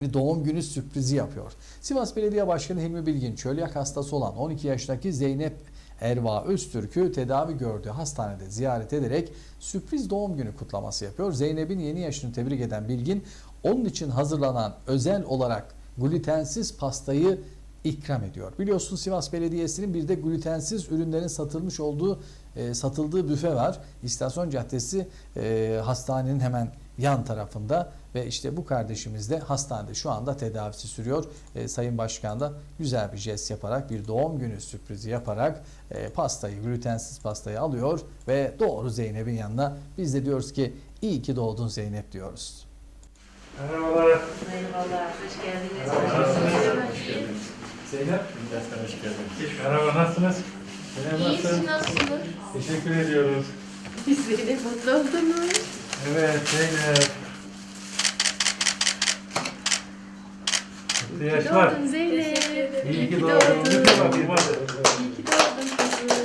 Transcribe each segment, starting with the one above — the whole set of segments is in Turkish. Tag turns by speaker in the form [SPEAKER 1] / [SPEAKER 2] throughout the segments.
[SPEAKER 1] doğum günü sürprizi yapıyor. Sivas Belediye Başkanı Hilmi Bilgin, çölyak hastası olan 12 yaşındaki Zeynep Erva Öztürk'ü tedavi gördüğü hastanede ziyaret ederek sürpriz doğum günü kutlaması yapıyor. Zeynep'in yeni yaşını tebrik eden Bilgin, onun için hazırlanan özel olarak glutensiz pastayı ikram ediyor. Biliyorsunuz Sivas Belediyesi'nin bir de glutensiz ürünlerin satıldığı büfe var. İstasyon Caddesi hastanenin hemen yan tarafında ve işte bu kardeşimiz de hastanede şu anda tedavisi sürüyor. Sayın Başkan da güzel bir jest yaparak, bir doğum günü sürprizi yaparak glutensiz pastayı alıyor ve doğru Zeynep'in yanına. Biz de diyoruz ki iyi ki doğdun Zeynep diyoruz.
[SPEAKER 2] Merhabalar.
[SPEAKER 3] Merhabalar, hoş geldiniz.
[SPEAKER 2] Zeynep.
[SPEAKER 4] Hoş geldiniz.
[SPEAKER 2] Merhaba, nasılsınız?
[SPEAKER 3] İyi, siz nasılsınız?
[SPEAKER 2] Teşekkür ediyoruz.
[SPEAKER 3] Biz de mutlu oldunuz.
[SPEAKER 2] Evet, Zeynep. Mutlu yaşlar.
[SPEAKER 3] Doğdun Zeynep.
[SPEAKER 2] İyi ki doğdun. Lütfen bakayım hadi.
[SPEAKER 3] İyi ki doğdun kızım.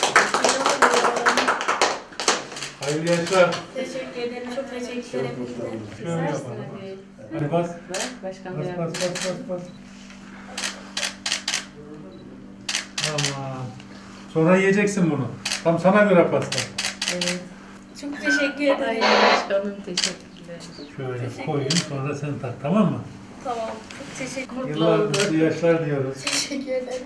[SPEAKER 2] Hayırlı yaşlar.
[SPEAKER 5] Teşekkür ederim. Çok teşekkür ederim.
[SPEAKER 2] Şöyle yapalım. Hadi bas.
[SPEAKER 3] Başkan
[SPEAKER 2] Bas, bas, bas, bas. Tamam. Sonra yiyeceksin bunu. Tam sana göre pasta.
[SPEAKER 3] Evet.
[SPEAKER 5] Çok teşekkür
[SPEAKER 3] Ay
[SPEAKER 5] ederim.
[SPEAKER 3] başkanım teşekkürler.
[SPEAKER 2] Şöyle koyayım, sonra sen tak, tamam mı?
[SPEAKER 5] Tamam. Çok teşekkür ederim.
[SPEAKER 2] Yıllar mutlu yaşlar diyoruz.
[SPEAKER 5] Teşekkür ederim.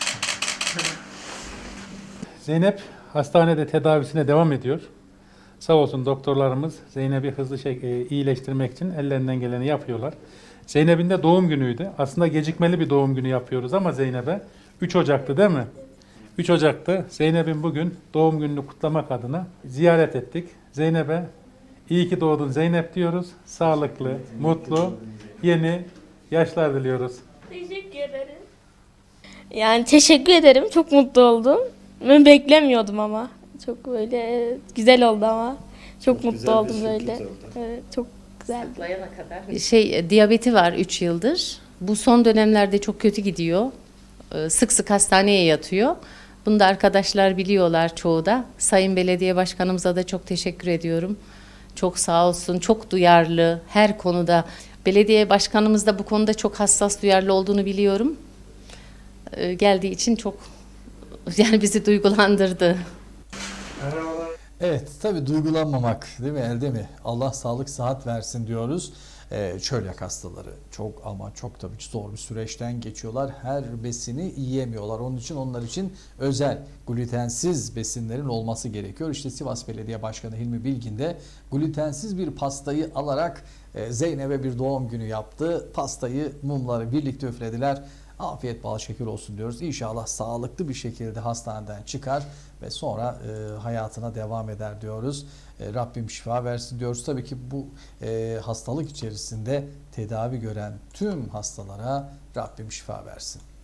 [SPEAKER 2] Zeynep hastanede tedavisine devam ediyor. Sağ olsun doktorlarımız Zeynep'i hızlı iyileştirmek için ellerinden geleni yapıyorlar. Zeynep'in de doğum günüydü. Aslında gecikmeli bir doğum günü yapıyoruz ama Zeynep'e 3 Ocak'tı değil mi? 3 Ocak'tı. Zeynep'in bugün doğum gününü kutlamak adına ziyaret ettik. Zeynep'e iyi ki doğdun Zeynep diyoruz. Sağlıklı, mutlu, yeni yaşlar diliyoruz.
[SPEAKER 5] Teşekkür ederim. Yani teşekkür ederim. Çok mutlu oldum. Ben beklemiyordum ama. Çok böyle güzel oldu ama. Çok mutlu oldum böyle. Evet, çok güzel.
[SPEAKER 3] Saklayana kadar. Diyabeti var 3 yıldır. Bu son dönemlerde çok kötü gidiyor. Sık sık hastaneye yatıyor. Bunu da arkadaşlar biliyorlar çoğu da. Sayın Belediye Başkanımıza da çok teşekkür ediyorum. Çok sağ olsun, çok duyarlı her konuda. Belediye Başkanımız da bu konuda çok hassas, duyarlı olduğunu biliyorum. Geldiği için çok bizi duygulandırdı.
[SPEAKER 2] Merhabalar.
[SPEAKER 1] Evet, tabii duygulanmamak değil mi, elde mi? Allah sağlık sıhhat versin diyoruz. Çölyak hastaları çok ama çok tabii ki zor bir süreçten geçiyorlar. Her besini yiyemiyorlar. Onun için onlar için özel glutensiz besinlerin olması gerekiyor. İşte Sivas Belediye Başkanı Hilmi Bilgin de glutensiz bir pastayı alarak Zeynep'e bir doğum günü yaptı. Pastayı, mumları birlikte üflediler. Afiyet bal şeker olsun diyoruz. İnşallah sağlıklı bir şekilde hastaneden çıkar ve sonra hayatına devam eder diyoruz. Rabbim şifa versin diyoruz. Tabii ki bu hastalık içerisinde tedavi gören tüm hastalara Rabbim şifa versin.